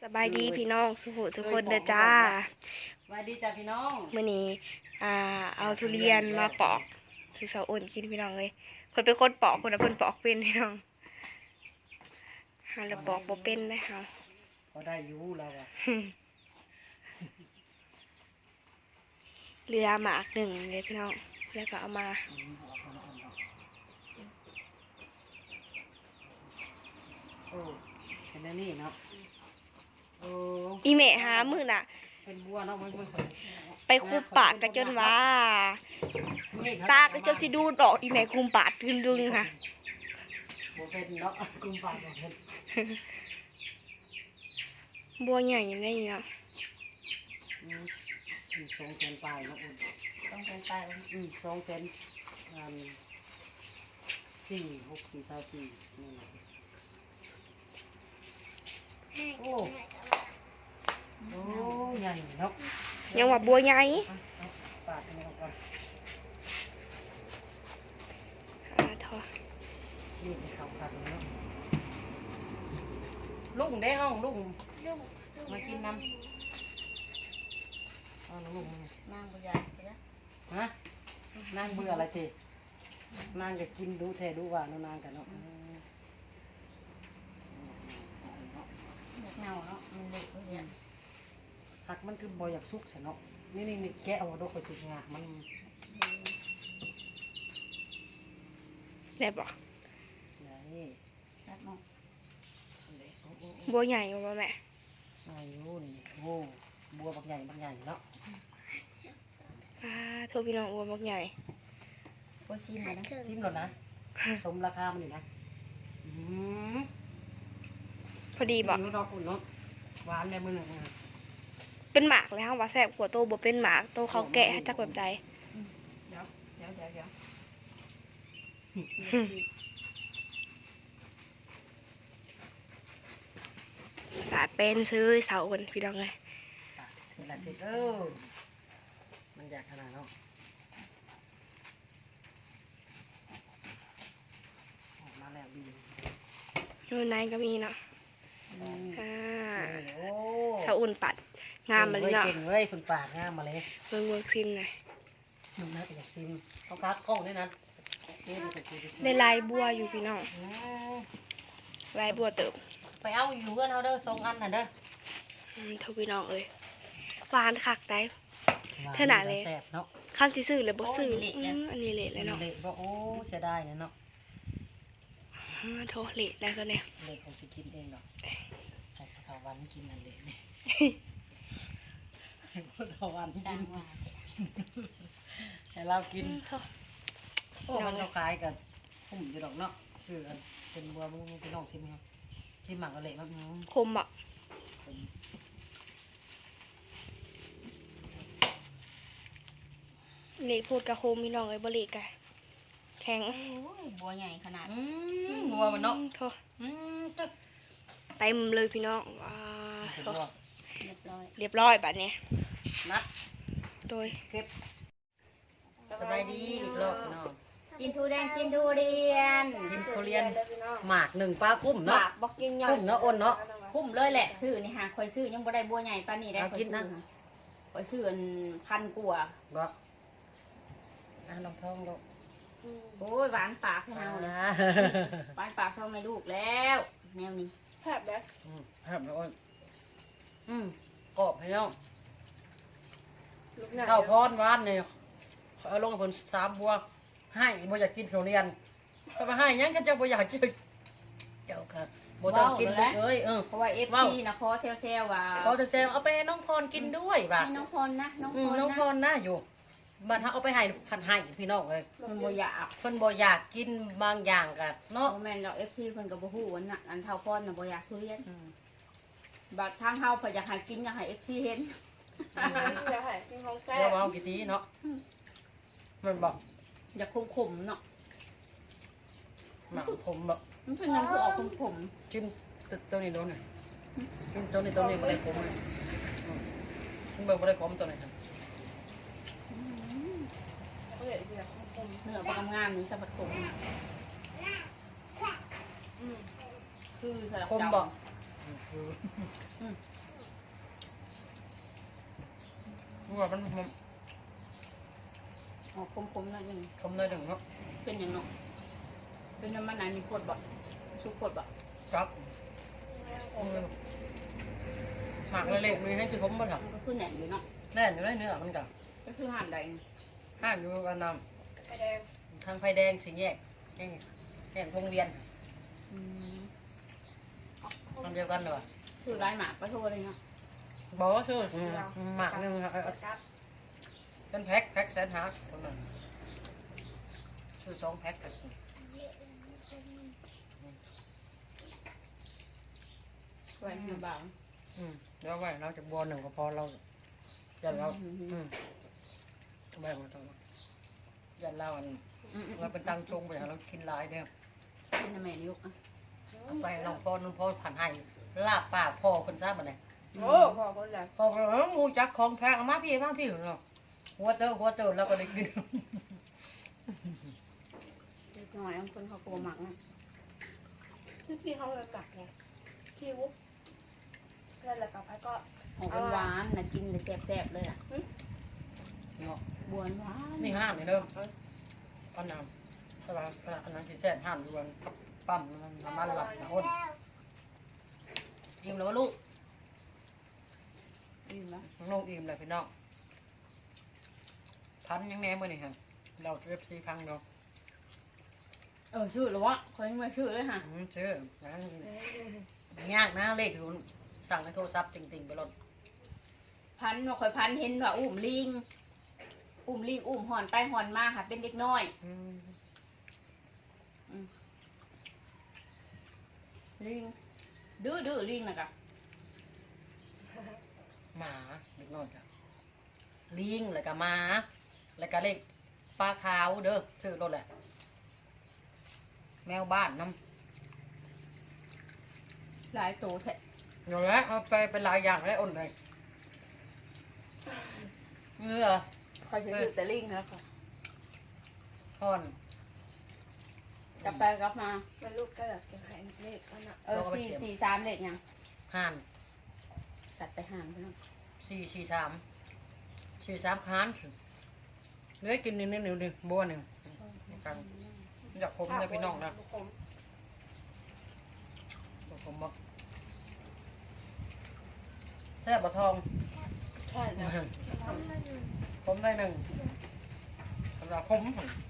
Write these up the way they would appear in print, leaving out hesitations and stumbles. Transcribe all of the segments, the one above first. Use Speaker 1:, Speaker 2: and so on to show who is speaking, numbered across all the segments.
Speaker 1: บายดีพี่น้องสุขุทุกคนเด้อจ้า
Speaker 2: สบายดีจ้าพี่น้อง
Speaker 1: มื้อนี้เอาทุเรียนมาปอกซื้อเสาอ่อนกินพี่น้องเลยเพิ่นเป็นคนปอกเพิ่นปอกเป็นพี่น้องหาแล้วปอกบ่เป็นนะเฮา
Speaker 2: ก็ได้อยู่แล้วอ่ะ
Speaker 1: เรือหมากหนึ่งเลยพี่น้องแล้วก็เอามา
Speaker 2: โอ้เป็นอันนี้เนาะโอ้
Speaker 1: อีแม่หามื้อน่ะ
Speaker 2: เป็นบัวเนาะมัน
Speaker 1: ไปคุมปากกันจนว่าตาก็จนสิดูดอกอีแม่คุมปากดึงๆค่ะ
Speaker 2: บัวเป็นเนาะกุมปากบัวเป็น
Speaker 1: บัวใหญ่ได้เนาะ
Speaker 2: 200,000ปลายเนาะอุ่น200,000ปลาย200,0004 6 4 24นี่โอ้โอ้ใหญ่เนาะ
Speaker 1: ยังว่าบัวใหญ่
Speaker 2: ปาดนี่ก่อน
Speaker 1: ทอ
Speaker 2: นี่เขาขัดเนาะลุงได้ห้องลุงมากินน้ำเอาลุง
Speaker 3: นางบุญใหญ่ไปนะ
Speaker 2: ฮะนางเบื่ออะไรทีนางจะกินดูแท้ดูว่าน้นางกันเนาะ
Speaker 3: เงาเนาะมันเด็กเนี่ย
Speaker 2: หักมันคือบอยากซุกใช่เนาะนี่แกะเอาดอกไปสิงามัน
Speaker 1: ได้บ่
Speaker 2: นี่
Speaker 3: รักเนาะ
Speaker 1: บัวใหญ่บ่แม่
Speaker 2: อายุนี่โอ้บัวบักใหญ่เนาะ
Speaker 1: โทษพี่น้องบัวบักใหญ่
Speaker 3: บัวซีมนะ
Speaker 2: ซิมหลดนะสมราคามันอยู่นะ
Speaker 1: พอดีบ่
Speaker 2: ดอกอุ่นเนาะหวานเลยมือหนึ่ง
Speaker 1: เป็นหมากเลยฮะว่าแซ่บกว่าโตบ่เป็นหมากโตเขาแกะให้จักแบบใด
Speaker 3: เดี๋ยว
Speaker 1: ปาดเป็นซื้อเสาคนพี่น้องเลย
Speaker 2: นี่แหละสิมันอยากขนาดเนาะออกมาแล้วดี
Speaker 1: นู่นในก็มีเนาะ
Speaker 2: โอ้
Speaker 1: เสาอุ่นปัดงามมาเลยเนาะ
Speaker 2: เก่งเลยคุณปากงามมาเลย
Speaker 1: เบิ่งซิมหน่อย
Speaker 2: มึงน่าอยากซิมเขาคัดกล้องด้วยนะ
Speaker 1: ได้ลายบัวอยู่พี่น้องลายบัวเติบ
Speaker 2: ไปเอาอยู่กันเอาเด้อ2 อันน่ะเด้อ
Speaker 1: ทุกพี่น้องเอ้ยหวานคักได้เท่าไหร่เลยขั้นซื้อเลยบ่ซื้ออันนี้เละเลยเนาะ
Speaker 2: เละบ่โอ้เสียดายเนาะ
Speaker 1: โทษเละแล้วซะเนี่ย
Speaker 2: เละเขาสิกินเองเนาะให้พระทวันกินนั่นเละนี่ให้พระทวันกินให้เรากินโอ้มันเราขายกับผมอยู่ดอกเนาะซื้อกันเป็นบัวมึงพี่น้องชิมครับชิมหมักอะไรบ้าง
Speaker 1: คมอ่ะเละพูดกับโคมพี่น้องเอ้ยบ่เละกันแข็ง
Speaker 3: บัวใหญ่ขนาด
Speaker 2: บัวมันเนาะ
Speaker 1: โทษเต็มเลยพี่น้องเรียบร้อยแบบนี้
Speaker 2: นัด
Speaker 1: โดย
Speaker 2: เก็บสบายดีอีกรอบเนาะ
Speaker 3: กินทุเรียนกินทุเรียน
Speaker 2: หมาก1ปลาคุ้มเนาะ
Speaker 1: บอกกินใหญ่
Speaker 2: คุ้มเนาะอ้นเนาะ
Speaker 3: คุ้มเลยแหละซื้อนี่หาคอยซื้อยังบ่ได้บัวใหญ่ปานนี้ได้คอยซื้อคอยซื้อ1,000 กว่า
Speaker 2: บ่ลองท้องลูก
Speaker 3: โอ้ยหวานปากให้เฮาเลยหวานปากช่องไม่ลูกแล้วแนวนี้
Speaker 1: แผบแล้ว
Speaker 2: แผบแล้วอ้นกรอบให้น้องข้าวพรหวานเนี่ยเอาลงผล3 บัวให้บ่อยากกินทุเรียนก็มาให้ยังก็จะบ่อยากกินเจ้าค่ะบ่ต้องกินเลย
Speaker 3: เพราะว่า FC นะขอเซลว่า
Speaker 2: ขอเซลเอาไปให้น้องพรกินด้วยว่ะ
Speaker 3: ให้น้องพรนะน้
Speaker 2: องพรนะอยู่บ้านเฮาเอาไปให้พันให้พี่น้องเลย
Speaker 3: เพิ่นบ่อยาก
Speaker 2: เพิ่นบ่อยากกินบางอย่างกันเนาะ
Speaker 3: บ่แม่นดอก FC เพิ่นก็บ่ฮู้ว่าอันเท่าพรน่ะบ่อยากทุเรียนบัดทางเฮาเพิ่นอยากให้กินอยากให้ FC เห็น
Speaker 1: อยากให้กินของแซ่บ
Speaker 2: เดี๋ยวเอากี่ทีเนาะมันบอก
Speaker 3: อยากขมๆเนาะ
Speaker 2: หมักขมแบบ
Speaker 3: มันเป็นน้ำคือออกขม
Speaker 2: ๆจิ้มตัวนี้โดนหน่อยจิ้มตัวนี้ไม่ได้ขมเลยจิ้มไม่ได้ขมตัวไหนครับ
Speaker 3: เนื้อปลางามนี่สับปะรดคือสลับ
Speaker 2: ขมบอกว่ามัน
Speaker 3: ออกคมๆหน่อยหนึง
Speaker 2: คำเลยหนึ่งเนาะ
Speaker 3: เป็นหยังเนาะเป็นน้ำมันอันนี้ปวดบ่สุกปวดบ่
Speaker 2: ครับหมักเละๆมีให้ที่ผมมาท
Speaker 3: มันก็คือแหน่นอยู่เนาะ
Speaker 2: ำแน่นอยู่ในเนื้อมันกับ
Speaker 3: ก็คือหั่นได้
Speaker 2: ห้างอยู่กันน
Speaker 1: ไฟแดง
Speaker 2: ำทางไฟแดงสีแยกแยกวงเวียน
Speaker 3: อืม
Speaker 2: ทำเดียวกันเหรอ
Speaker 3: คือลายหมากไปโทษเลยเนาะ
Speaker 2: บอกว่าชื่อหมักหนึ่งเป็นแพ็คแสนหาตรงนั้นชื่อ2 แพ็คกัน
Speaker 3: ไว้ให้บาง
Speaker 2: เดี๋ยวไว้เราจะบอลหนึ่งก็พอเรายันเราแบ่งมาตรงยันเราอันเราเป็นตังทรงไปเรากินหลายเนี่ย
Speaker 3: เป็นน้ำแม่ยุกอ่ะ
Speaker 2: ไปลองพ่อนุ่นพ่อผ่านให้ลาบปากพ่อคนทราบมาไหน
Speaker 1: โอ้พอคนละ
Speaker 2: พ่องูจักของแพงมาพี่เนาะหัวเตอแล้วก็ได้กิน
Speaker 3: เล็กน้อยบางคนเขากลัวหมักนะ
Speaker 1: ที่พี่เขาเลยกัดไงที่วุ้บแล้วแหละกับไอ้ก็
Speaker 3: ออกเป็นหวานนะกินแต่แซ่บๆเลยอ่ะ
Speaker 2: เนาะ
Speaker 3: บวนหวาน
Speaker 2: นี่ห้ามนี่เด้ออันนั้นใช่ป่ะอันนั้นที่แซ่บห้ามอยู่บนปั๊มน้ำมันหลักนะอ้นอิ่มแล้วลูก
Speaker 3: อิ่มแล้ว
Speaker 2: น้องอิ่มเลยพี่น้องพันยังแน่เมื่อนี่ฮะเราเอฟซีพังเนาะ
Speaker 3: ชื่อหรอวะเขายังไม่ชื่อเลยค่ะ
Speaker 2: ชื่อนะยากนะเลขอยู่สั่งในโทรศัพท์ติ่งๆไปรถ
Speaker 3: พันว่าคอยพันเห็นว่าอุ้มลิงอุ้มหอนไปหอนมาค่ะเป็นเด็กน้อยลิงดื้อลิงนะกะ
Speaker 2: หมาเล็กน้อยจ้ะลิงแล้วก็หมาแล้วก็เลขปลาขาวเด้อชื่อรถแหละแมวบ้านน้ำ
Speaker 3: หลายโตแท้
Speaker 2: อยู่แล้วเอาไปเป็นหลายอย่างแล้วอ้นเลยเงือ
Speaker 3: คอยชื่อแต่ลิงแล้วค่ะ
Speaker 2: ทอน
Speaker 3: กลับไปกลับมา
Speaker 1: แล้วลูกก็แบบจะให้เลขก็น่ะ
Speaker 3: 443เลขยัง
Speaker 2: ห่าน
Speaker 3: สัตว์ไปห่างไปแล้ว
Speaker 2: 443ค้านเหลือกินนิดบัวหนึ่งกันอยากผมเลยพี่น้องนะ
Speaker 1: ผม
Speaker 2: ผมบอกแซ่บะทอง
Speaker 1: ใช่แล้ว
Speaker 2: ผมได้หนึ่งสำหรับผม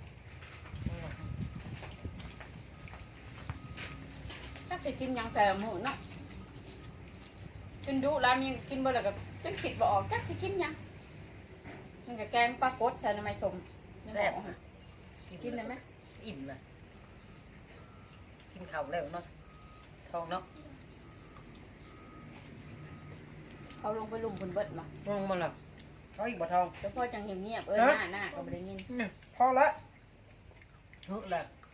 Speaker 3: ถ้าจะกินยังแต่หมูเนาะกินดุแล้วยังกินบ่ได้กับจนคิดบ่ออกจักสิกินยังมันก็แกงปลากดใส่น้ำมันสม
Speaker 2: แซ่บ
Speaker 3: กินได้ไหม
Speaker 2: อิ่มเลยกินข้าวแล้วเนาะทองเนาะ
Speaker 3: เขาลงไปลุมคนเบิดมา
Speaker 2: ลงมาแล้วเขาอีกบะทอง
Speaker 3: แล้วพ่อจังเงียบๆหน้าก็บ่ได้ยิน
Speaker 2: พอละฮึแหละ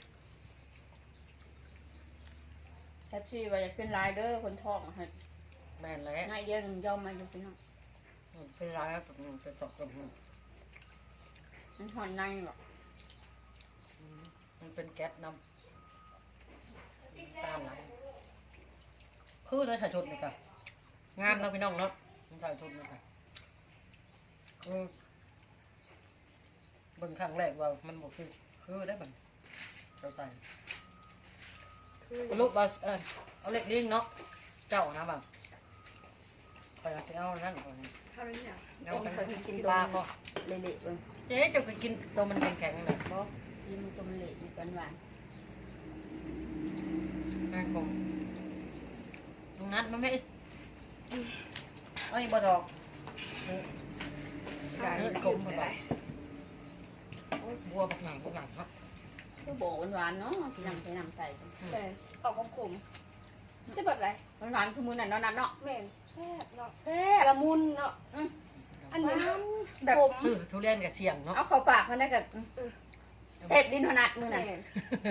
Speaker 3: แท็กซี่ว่าอยากขึ้นไลน์เด้อคนท้องให้
Speaker 2: แม่นแล้ว
Speaker 3: ง่ายเดียวหนึงยอมมาอยู่พี่น้อง
Speaker 2: เป็นไรครับจะตกกับมัน
Speaker 3: มันหอนในหรอก
Speaker 2: มันเป็นแก๊สน้ำตามหลังคือได้ใส่ชุดนี่ค่ะงามนะพี่น้องเนาะมันใส่ชุดนี่ค่ะเบิ่งครั้งแรกว่ามันบอกคือได้บังเราใส่ลูกบาเอาเล็กดิ้งเนาะเจ้านะบังคอยจะเอานั่นก่อน
Speaker 1: ทำอย่าง
Speaker 2: เอาไปปลาก็
Speaker 3: เละๆเบิ่ง
Speaker 2: เจ๊จะไปกินตัวมันแข็งๆเลย
Speaker 3: บ่ซีมันตัวมันเละอยู่หวาน
Speaker 2: นั่นคงตรงนั้นมันไม่ไอ้บะทอง
Speaker 1: ใช่
Speaker 2: กลมมันแบบบัวบักหนังครับ
Speaker 3: ๆคือโบหวานๆเนาะสินำใส่น้ำใส่
Speaker 1: แต่ออกขมๆจะแบบไร
Speaker 3: หวานๆคือมื้อนั้นเนาะนัดเนาะ
Speaker 1: แม่นแซ่บเนาะ
Speaker 3: แซ่บ
Speaker 1: ละมุนเนาะอันนี้
Speaker 3: แบบ
Speaker 1: ผม
Speaker 2: ซื้อทุเรียนกับเสียงเนาะ
Speaker 3: เอาเข้าปากมันได้กับเสพดินถนัดมื้อนั้น
Speaker 1: แม่น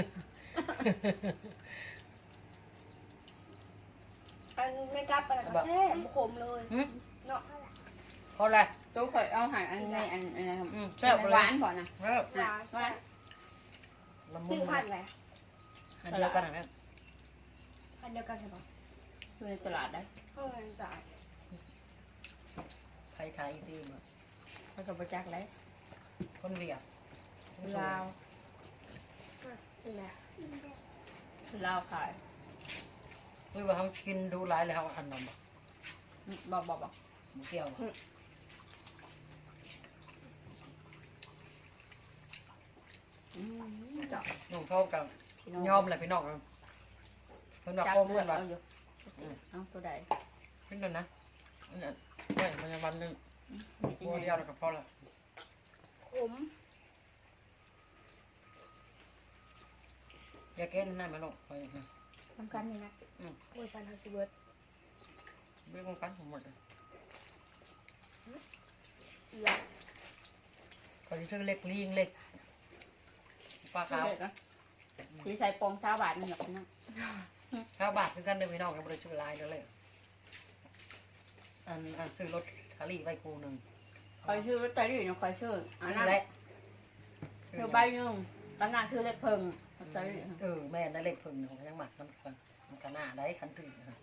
Speaker 1: อันไม่กลับอะไรก็แซ่บขมเลยเนาะ
Speaker 2: เพราะอะไร
Speaker 3: ตัวข่อยเอาใหายอันในอันนะครับ
Speaker 2: แซ่บ
Speaker 3: หวานพอนะ
Speaker 2: แล้ว
Speaker 1: หวาน
Speaker 3: หวาน
Speaker 2: ละมุ
Speaker 1: ซื้อน พันธุ์อะไร
Speaker 2: อันเดียวกันนะ
Speaker 1: พันธุ์เดียวกันใช่ปะ
Speaker 3: อยู่ในตลาดได้
Speaker 1: เข้าเงินจ่าย
Speaker 2: ใครขายอีกทีมา
Speaker 3: ผสมประจักษ์ไร
Speaker 2: คนเวียด
Speaker 3: ลาว
Speaker 1: นี่แหละ
Speaker 3: ลาวขาย
Speaker 2: หรือว่าเขากินดูหลายแล้วเขาอันนั้นบ่
Speaker 3: บอก
Speaker 2: บ่เกี่ยวบ่
Speaker 3: จับ
Speaker 2: น้องเขากับยอมเลยพี่น้องครับเพิ่นว่า
Speaker 3: จับ
Speaker 2: โอ้
Speaker 3: เลื
Speaker 2: เพื่
Speaker 3: อ
Speaker 2: อ
Speaker 3: ด
Speaker 2: นว่า
Speaker 3: เอาอยู่เอาตัวใด
Speaker 2: เพิ่นนั่นนะอันนั้นไม่มันจะวันหนึง
Speaker 3: มีจะ
Speaker 2: ตัว
Speaker 3: ให
Speaker 2: เดีย
Speaker 3: ญ่
Speaker 2: วแล้วก็พอละ
Speaker 1: ขม
Speaker 2: อย่าแก้นั่นมาลูกไปนะ
Speaker 3: ทำกันนี่นะ
Speaker 1: โอ้ยปันเฮาสิเบิด
Speaker 2: เบี้ยกันผมหมดเลย
Speaker 1: หลับ
Speaker 2: เขาจะซื้อเล็กลิงเล็กปลาขาว
Speaker 3: เด็กอ่ะสีใส่ปองซาบาทนึงแบบนั้น
Speaker 2: ข้าวบาทคือกันเด้อพี่น้องยังบ่ได้ซื้อหลายเด้อเลยอันซื้อรถคารี่ไว้กูหนึง
Speaker 3: คอยชื่อลอตเตอรี่เนี่ยคอยชื่ออัน
Speaker 2: ซื้
Speaker 3: นั้
Speaker 2: อน แหละ
Speaker 3: คือใบหนึงตอนนั้นชื่อเล็กเพิงลอตเตอรี่
Speaker 2: แม่ได้เลขเพิ่งของยังหมักน้ำกันมันก็น่าได้คันถึงนะ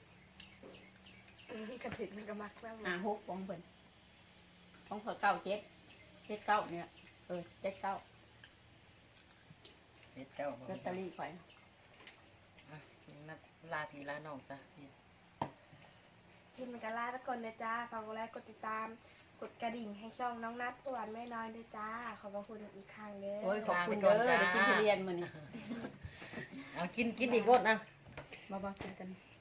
Speaker 1: กระถิ่นมันก็มักมาก
Speaker 3: หกปองเพิ่นปองเพิ่น7 7 9เนี่ย7 9
Speaker 2: เฮ็ดเจ้า
Speaker 3: ลอตเตอรี่ข่อย
Speaker 2: นัดลาทีลาน้องจ้ะพี่
Speaker 1: คลิปมันก็ลาไปก่อนนะจ้าฝากกดไลค์กดติดตาม กดกระดิ่งให้ช่องน้องนัดอ้วนแม่น้อยด้วยจ้า ขอบพระคุณอีกครั้งเด้อ
Speaker 3: โอ้ยขอบคุณเด้อได้กินทุเรียนมื้อนี้
Speaker 2: เอากินอีกรสนะ
Speaker 3: บ่กินกัน